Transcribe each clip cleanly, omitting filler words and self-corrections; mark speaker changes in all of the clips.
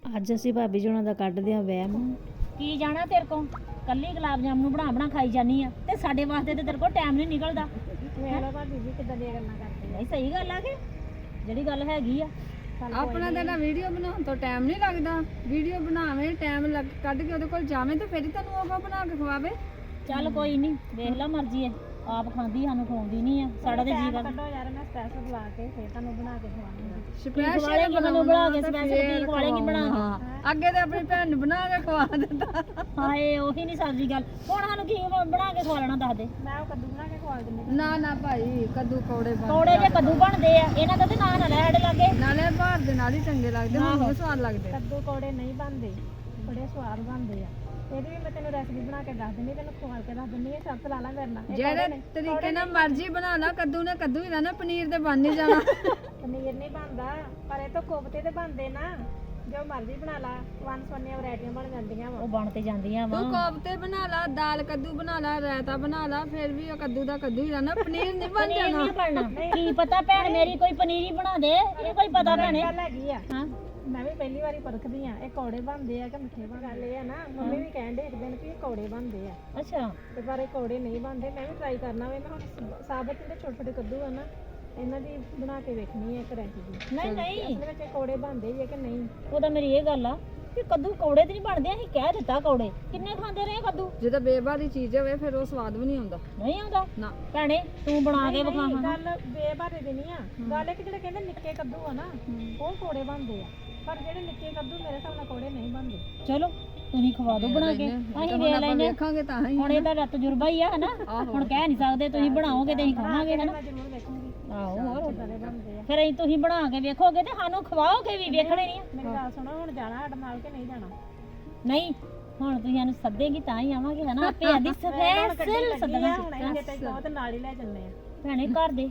Speaker 1: ਅੱਜ ਅਸੀਂ ਭਾਬੀ ਜੀ ਉਹਨਾਂ ਦਾ ਕੱਢਦੇ ਆ ਵਹਿਮ।
Speaker 2: ਕੀ ਜਾਣਾ ਤੇਰੇ ਕੋਲ ਕੱਲੀ ਗੁਲਾਬ ਜਾਮਨ ਬਣਾ ਖਾਈ ਜਾਨੀ ਆ ਤੇ ਸਾਡੇ ਵਾਸਤੇ ਤੇ ਤੇਰੇ ਕੋਲ ਟਾਈਮ ਨਹੀਂ ਨਿਕਲਦਾ।
Speaker 3: ਵੇਖ ਲਓ ਭਾਬੀ ਜੀ ਕਿੱਦਾਂ ਦੀਆਂ ਗੱਲਾਂ ਕਰਦੇ
Speaker 2: ਨਹੀਂ ਸਹੀ ਗੱਲ ਆ ਕਿ ਜਿਹੜੀ ਗੱਲ ਹੈਗੀ ਆ।
Speaker 3: ਆਪਣਾ ਤਾਂ ਨਾ ਵੀਡੀਓ ਬਣਾਉਣ ਤੋਂ ਟਾਈਮ ਨਹੀਂ ਲੱਗਦਾ। ਵੀਡੀਓ ਬਣਾਵੇ ਟਾਈਮ ਕੱਢ ਕੇ ਉਹਦੇ ਕੋਲ ਜਾਵੇਂ ਤਾਂ ਫਿਰ ਹੀ ਤੁਹਾਨੂੰ ਉਹ ਬਣਾ ਕੇ ਖਵਾਵੇ।
Speaker 2: ਚੱਲ ਕੋਈ ਨਹੀਂ ਵੇਖ ਲਾ ਮਰਜ਼ੀ ਹੈ ਆਪ ਖਾਂਦੀ ਸਾਨੂੰ ਖਵਾਉਂਦੀ ਨਹੀਂ ਆ। ਸਾਡਾ ਤੇ ਜੀ ਕਰਦਾ
Speaker 3: ਕੱਢੋ ਯਾਰ ਮੈਂ ਸਪੈਸ਼ਲ ਬੁਲਾ ਕੇ ਫਿਰ ਤੁਹਾਨੂੰ ਬਣਾ ਕੇ ਖਵਾਉਂਗਾ।
Speaker 2: ਸਪੈਸ਼ਲ ਮੈਨੂੰ ਬਣਾ ਕੇ ਸਪੈਸ਼ਲ ਕੀ ਖਵਾਲੇਂਗੀ ਬਣਾ ਕੇ।
Speaker 3: ਅੱਗੇ ਤੇ ਆਪਣੀ ਭੈਣ ਨੂੰ ਬਣਾ ਕੇ ਖਵਾ ਦਿੰਦਾ।
Speaker 2: ਹਾਏ ਉਹੀ ਨਹੀਂ ਸਬਜ਼ੀ ਗੱਲ। ਹੁਣ ਸਾਨੂੰ ਕੀ ਬਣਾ ਕੇ ਖਵਾਲਣਾ ਦੱਸ ਦੇ।
Speaker 3: ਮੈਂ ਉਹ ਕੱਦੂ ਬਣਾ ਕੇ ਖਵਾ ਦਿੰਦੀ। ਨਾ ਭਾਈ ਕੱਦੂ ਕੌੜੇ ਬਣਦੇ।
Speaker 2: ਕੌੜੇ ਜੇ ਕੱਦੂ ਬਣਦੇ ਆ ਇਹਨਾਂ ਦਾ ਤੇ ਨਾਂ ਨਾ ਲੈ ਸਾਡੇ ਲਾਗੇ।
Speaker 3: ਨਾਲੇ ਭਾਰ ਦੇ ਨਾਲ ਹੀ ਚੰਗੇ ਲੱਗਦੇ ਮੈਨੂੰ ਸਵਾਦ ਲੱਗਦੇ। ਕੱਦੂ ਕੌੜੇ ਨਹੀਂ ਬਣਦੇ ਬੜੇ ਸਵਾਦ ਬਣਦੇ ਆ। ਇਹਦੀ ਵੀ ਮੈਂ ਤੈਨੂੰ ਰੈਸਿਪੀ ਬਣਾ ਕੇ ਦੱਸ ਦਿੰਦੀ ਤੈਨੂੰ ਖਵਾ ਕੇ ਦੱਸ ਦਿੰਦੀ ਸ਼ਰਤ ਲਾ ਲਾ ਮੇਰੇ ਨਾਲ। ਜਿਹੜੇ ਤਰੀਕੇ ਨਾਲ ਮਰਜ਼ੀ ਬਣਾ ਲਾ ਕੱਦੂ ਨੇ ਕੱਦੂ ਹੀ ਰਹਿਣਾ ਪਨੀਰ ਤੇ ਬਣ ਨਹੀਂ ਜਾਣਾ। ਪਨੀਰ ਨਹੀਂ ਬਣਦਾ ਪਰ ਇਹ ਤਾਂ ਕੋਫਤੇ ਤੇ ਬਣਦੇ ਨਾ। ਜੋ ਮਰਜ਼ੀ ਬਣਾ ਲਾ ਵੰਨ-ਸਵੰਨੀਆਂ ਵੈਰਾਈਟੀਆਂ ਬਣ ਜਾਂਦੀਆਂ ਵਾ।
Speaker 2: ਉਹ ਬਣ ਤੇ ਜਾਂਦੀਆਂ ਵਾ।
Speaker 3: ਤੂੰ ਕੋਫਤੇ ਬਣਾ ਲਾ ਦਾਲ ਕੱਦੂ ਬਣਾ ਲਾ ਰਾਇਤਾ ਬਣਾ ਲਾ ਫਿਰ ਵੀ ਉਹ ਕੱਦੂ ਦਾ ਕੱਦੂ ਹੀ ਰਹਿਣਾ ਪਨੀਰ ਨਹੀਂ ਬਣ ਜਾਣਾ।
Speaker 2: ਨਹੀਂ ਬਣਨਾ ਕੀ ਪਤਾ ਭੈਣ ਮੇਰੀ ਕੋਈ ਪਨੀਰ ਹੀ ਬਣਾ ਦੇ ਇਹ ਕੋਈ ਪਤਾ ਭੈਣੇ।
Speaker 3: ਗੱਲ ਹੈਗੀ ਆ
Speaker 2: ਹਾਂ
Speaker 3: ਮੈਂ ਵੀ ਪਹਿਲੀ ਵਾਰੀ ਪਰਖਦੀ ਆ ਇਹ ਕੌੜੇ ਬਣਦੇ ਆ ਕਿ ਮਿੱਠੇ ਬਣਦੇ ਆ ਨਾ। ਮੰਮੀ ਵੀ ਕਹਿੰਦੇ ਇੱਕ ਦਿਨ ਕਿ ਇਹ ਕੌੜੇ ਬਣਦੇ ਆ
Speaker 2: ਅੱਛਾ
Speaker 3: ਤੇ ਪਰ ਇਹ ਕੌੜੇ ਨਹੀਂ ਬਣਦੇ। ਮੈਂ ਵੀ ਟਰਾਈ ਕਰਨਾ ਵੇ। ਮੈਂ ਹੁਣ ਸਾਬਤ ਜਿਹੜੇ ਛੋਟੇ ਛੋਟੇ ਕੱਦੂ ਆ ਨਾ ਇਹਨਾਂ ਦੀ ਬਣਾ ਕੇ ਵੇਖਣੀ ਹੈ ਇੱਕ ਰੈਸਿਪੀ।
Speaker 2: ਨਹੀਂ
Speaker 3: ਅਸਲ ਵਿੱਚ ਇਹ ਕੌੜੇ ਬਣਦੇ ਵੀ ਆ ਕਿ ਨਹੀਂ।
Speaker 2: ਉਹਦਾ ਮੇਰੀ ਇਹ ਗੱਲ ਆ ਕਿ ਕੱਦੂ ਕੌੜੇ ਤੇ ਨਹੀਂ ਬਣਦੇ। ਅਸੀਂ ਕਹਿ ਦਿੱਤਾ ਕੌੜੇ ਕਿੰਨੇ ਖਾਂਦੇ ਰਹੇ ਕੱਦੂ।
Speaker 3: ਜਦੋਂ ਬੇਬਾਰੀ ਚੀਜ਼ ਹੋਵੇ ਫਿਰ ਉਹ ਸਵਾਦ ਵੀ ਨਹੀਂ ਆਉਂਦਾ।
Speaker 2: ਨਹੀਂ ਆਉਂਦਾ
Speaker 3: ਨਾ
Speaker 2: ਭੈਣੇ ਤੂੰ ਬਣਾ ਕੇ ਵਿਖਾ ਹਾਂ।
Speaker 3: ਗੱਲ ਬੇਬਾਰੇ ਦੀ ਨਹੀਂ ਆ। ਗੱਲ ਇਹ ਕਿ ਜਿਹੜੇ ਕਹਿੰਦੇ ਨਿੱਕੇ ਕੱਦੂ ਆ ਨਾ ਉਹ ਕੌੜੇ ਬਣਦੇ ਆ ਪਰ ਜਿਹੜੇ ਨਿੱਕੇ ਕੱਦੂ ਮੇਰੇ ਹਿਸਾਬ ਨਾਲ ਕੌੜੇ ਨਹੀਂ ਬਣਦੇ।
Speaker 2: ਚਲੋ ਤੁਸੀਂ ਖਵਾ ਦਿਓ ਬਣਾ ਕੇ ਅਸੀਂ ਵੇਖ ਲੈਨੇ
Speaker 3: ਵੇਖਾਂਗੇ ਤਾਂ ਹੀ।
Speaker 2: ਹੁਣ ਇਹਦਾ ਤਜਰਬਾ ਹੀ ਆ ਹਨਾ। ਹੁਣ ਕਹਿ ਨਹੀਂ ਸਕਦੇ ਤੁਸੀਂ ਬਣਾਓਗੇ ਤੇ ਅਸੀਂ ਖਾਵਾਂਗੇ ਹਨਾ।
Speaker 3: ਮੈਂ ਜ਼ਰੂਰ ਵੇਖੂੰਗੀ
Speaker 2: ਆਹੋ ਹੋਰ
Speaker 3: ਕਿੱਦਾਂ ਦੇ ਬਣਦੇ ਆ।
Speaker 2: ਫਿਰ ਅਸੀਂ ਤੁਸੀਂ ਬਣਾ ਕੇ ਵੇਖੋਗੇ ਤੇ ਸਾਨੂੰ ਖਵਾਓਗੇ ਵੀ ਵੇਖਣੇ ਨਹੀਂ ਆ।
Speaker 3: ਮੇਰੀ ਗੱਲ ਸੁਣੋ ਹੁਣ ਜਾਣਾ ਸਾਡੇ ਨਾਲ ਕਿ ਨਹੀਂ ਜਾਣਾ।
Speaker 2: ਨਹੀਂ ਹੁਣ ਤੁਸੀਂ ਸਾਨੂੰ ਸੱਦੇਗੀ ਤਾਂ ਹੀ ਆਵਾਂਗੇ ਹਨਾ। ਆਪੇ ਆਦੀ ਸਪੈਸ਼ਲ ਸੱਦਣਾ
Speaker 3: ਹੁਣ ਇਹ ਤੇ ਬਹੁਤ ਨਾਲ ਹੀ ਲੈ ਚੱਲਨੇ ਆ।
Speaker 2: ਭੈਣੇ ਘਰ ਦੇ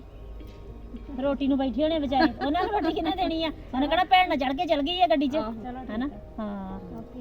Speaker 2: ਰੋਟੀ ਨੂੰ ਬੈਠੇ ਹੋਣੇ ਵਿਚਾਰੇ ਉਹਨਾਂ ਨੂੰ ਰੋਟੀ ਕਿਹਨੇ ਦੇਣੀ ਆ। ਉਹਨੇ ਕਿਹੜਾ ਭੈਣ ਨਾਲ ਚੜ ਕੇ ਚਲ ਗਈ ਆ ਗੱਡੀ 'ਚ ਹਨਾ। ਹਾਂ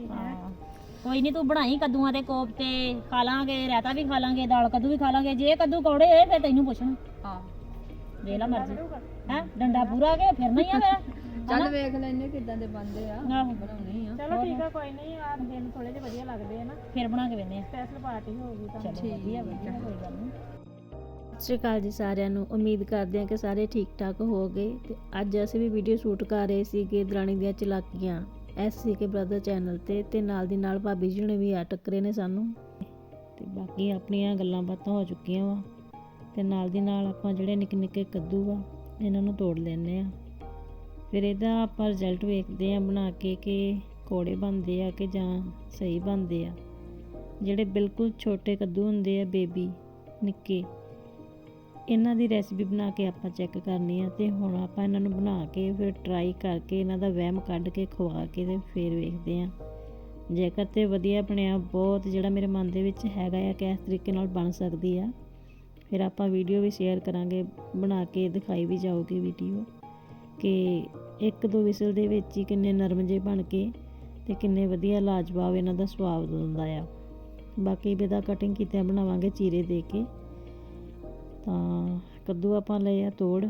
Speaker 2: ਕੋਈ ਨਹੀਂ ਤੂੰ ਬਣਾਈ ਕੱਦੂਆਂ ਦੇ ਕੋਫਤੇ ਖਾ ਲਾਂਗੇ ਰਾਇਤਾ ਵੀ ਖਾ ਲਾਂਗੇ ਦਾਲ ਕੱਦੂ ਵੀ ਖਾ ਲਾਂਗੇ। ਜੇ ਕੱਦੂ ਕੌੜੇ ਹੋਏ ਫਿਰ ਤੈਨੂੰ ਪੁੱਛਣਾ।
Speaker 3: ਹਾਂ
Speaker 2: ਦੇ ਲਾ ਮਰਜ਼ੀ ਹੈ ਡੰਡਾ ਪੂਰਾ ਕੇ ਫਿਰ ਨਹੀਂ ਆ ਮੇਰਾ।
Speaker 3: ਚੱਲ ਵੇਖ ਲੈਨੇ ਕਿੱਦਾਂ ਦੇ ਬਣਦੇ ਆ
Speaker 2: ਆਹੋ
Speaker 3: ਬਣਾਉਣੇ ਆ। ਚਲੋ ਠੀਕ ਆ ਕੋਈ ਨਹੀਂ ਆ ਦਿਨ ਥੋੜੇ ਜਿਹੇ ਵਧੀਆ ਲੱਗਦੇ ਆ ਨਾ
Speaker 2: ਫਿਰ ਬਣਾ ਕੇ ਵੇਨੇ ਆ।
Speaker 3: ਸਪੈਸ਼ਲ ਪਾਰਟੀ ਹੋਊਗੀ ਤਾਂ
Speaker 2: ਚਲੋ ਵਧੀਆ ਕੋਈ ਗੱਲ ਨਹੀਂ।
Speaker 1: ਸਤਿ ਸ਼੍ਰੀ ਅਕਾਲ ਜੀ ਸਾਰਿਆਂ ਨੂੰ। ਉਮੀਦ ਕਰਦੇ ਹਾਂ ਕਿ ਸਾਰੇ ਠੀਕ ਠਾਕ ਹੋ ਗਏ। ਤੇ ਅੱਜ ਅਸੀਂ ਵੀ ਵੀਡੀਓ ਸ਼ੂਟ ਕਰ ਰਹੇ ਸੀਗੇ ਦਰਾਣੀ ਦੀਆਂ ਚਲਾਕੀਆਂ SCK ਬ੍ਰਦਰ ਚੈਨਲ ਤੇ ਨਾਲ ਦੀ ਨਾਲ ਭਾਬੀ ਜੀ ਨੇ ਵੀ ਆ ਟੱਕਰੇ ਨੇ ਸਾਨੂੰ ਤੇ ਬਾਕੀ ਆਪਣੀਆਂ ਗੱਲਾਂ ਬਾਤਾਂ ਹੋ ਚੁੱਕੀਆਂ ਵਾ ਤੇ ਨਾਲ ਦੀ ਨਾਲ ਆਪਾਂ ਜਿਹੜੇ ਨਿੱਕੇ ਨਿੱਕੇ ਕੱਦੂ ਆ ਇਹਨਾਂ ਨੂੰ ਤੋੜ ਲੈਂਦੇ ਆ। ਫਿਰ ਇਹਦਾ ਆਪਾਂ ਰਿਜ਼ਲਟ ਵੇਖਦੇ ਆ ਬਣਾ ਕੇ ਕਿ ਕੌੜੇ ਬਣਦੇ ਆ ਕਿ ਜਾਂ ਸਹੀ ਬਣਦੇ ਆ। ਜਿਹੜੇ ਬਿਲਕੁਲ ਛੋਟੇ ਕੱਦੂ ਹੁੰਦੇ ਆ ਬੇਬੀ ਨਿੱਕੇ ਇਹਨਾਂ ਦੀ ਰੈਸਿਪੀ ਬਣਾ ਕੇ ਆਪਾਂ ਚੈੱਕ ਕਰਨੀ ਆ। ਤੇ ਹੁਣ ਆਪਾਂ ਇਹਨਾਂ ਨੂੰ ਬਣਾ ਕੇ ਫਿਰ ਟਰਾਈ ਕਰਕੇ ਇਹਨਾਂ ਦਾ ਵਹਿਮ ਕੱਢ ਕੇ ਖਵਾ ਕੇ ਤੇ ਫਿਰ ਵੇਖਦੇ ਆ। ਜੇਕਰ ਤੇ ਵਧੀਆ ਬਣਿਆ ਬਹੁਤ ਜਿਹੜਾ ਮੇਰੇ ਮਨ ਦੇ ਵਿੱਚ ਹੈਗਾ ਆ ਕਿ ਇਸ ਤਰੀਕੇ ਨਾਲ ਬਣ ਸਕਦੀ ਆ ਫਿਰ ਆਪਾਂ ਵੀਡੀਓ ਵੀ ਸ਼ੇਅਰ ਕਰਾਂਗੇ ਬਣਾ ਕੇ ਦਿਖਾਈ ਵੀ ਜਾਊਗੀ ਵੀਡੀਓ ਕਿ 1-2 ਵਿਸਲ ਦੇ ਵਿੱਚ ਹੀ ਕਿੰਨੇ ਨਰਮ ਜਿਹੇ ਬਣ ਕੇ ਤੇ ਕਿੰਨੇ ਵਧੀਆ ਲਾਜਵਾਬ ਇਹਨਾਂ ਦਾ ਸਵਾਦ ਹੁੰਦਾ ਆ। ਬਾਕੀ ਵੀ ਇਹਦਾ ਕਟਿੰਗ ਕੀਤਿਆਂ ਬਣਾਵਾਂਗੇ ਚੀਰੇ ਦੇ ਕੇ। ਤਾਂ ਕੱਦੂ ਆਪਾਂ ਲਏ ਆ ਤੋੜ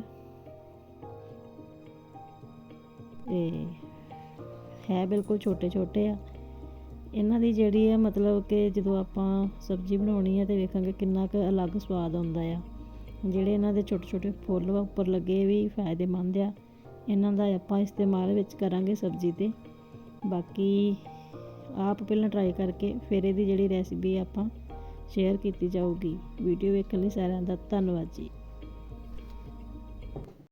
Speaker 1: ਤੇ ਹੈ ਬਿਲਕੁਲ ਛੋਟੇ ਛੋਟੇ ਆ। ਇਹਨਾਂ ਦੀ ਜਿਹੜੀ ਆ ਮਤਲਬ ਕਿ ਜਦੋਂ ਆਪਾਂ ਸਬਜ਼ੀ ਬਣਾਉਣੀ ਆ ਤੇ ਵੇਖਾਂਗੇ ਕਿੰਨਾ ਕੁ ਅਲੱਗ ਸਵਾਦ ਆਉਂਦਾ ਆ। ਜਿਹੜੇ ਇਹਨਾਂ ਦੇ ਛੋਟੇ ਛੋਟੇ ਫੁੱਲ ਉੱਪਰ ਲੱਗੇ ਵੀ ਫਾਇਦੇਮੰਦ ਆ। ਇਹਨਾਂ ਦਾ ਆਪਾਂ ਇਸਤੇਮਾਲ ਵਿੱਚ ਕਰਾਂਗੇ ਸਬਜ਼ੀ ਤੇ। ਬਾਕੀ ਆਪ ਪਹਿਲਾਂ ਟਰਾਈ ਕਰਕੇ ਫਿਰ ਇਹਦੀ ਜਿਹੜੀ ਰੈਸਿਪੀ ਆਪਾਂ ਸ਼ੇਅਰ ਕੀਤੀ ਜਾਊਗੀ। ਵੀਡੀਓ ਵੇਖਣ ਲਈ ਸਾਰਿਆਂ ਦਾ ਧੰਨਵਾਦ ਜੀ।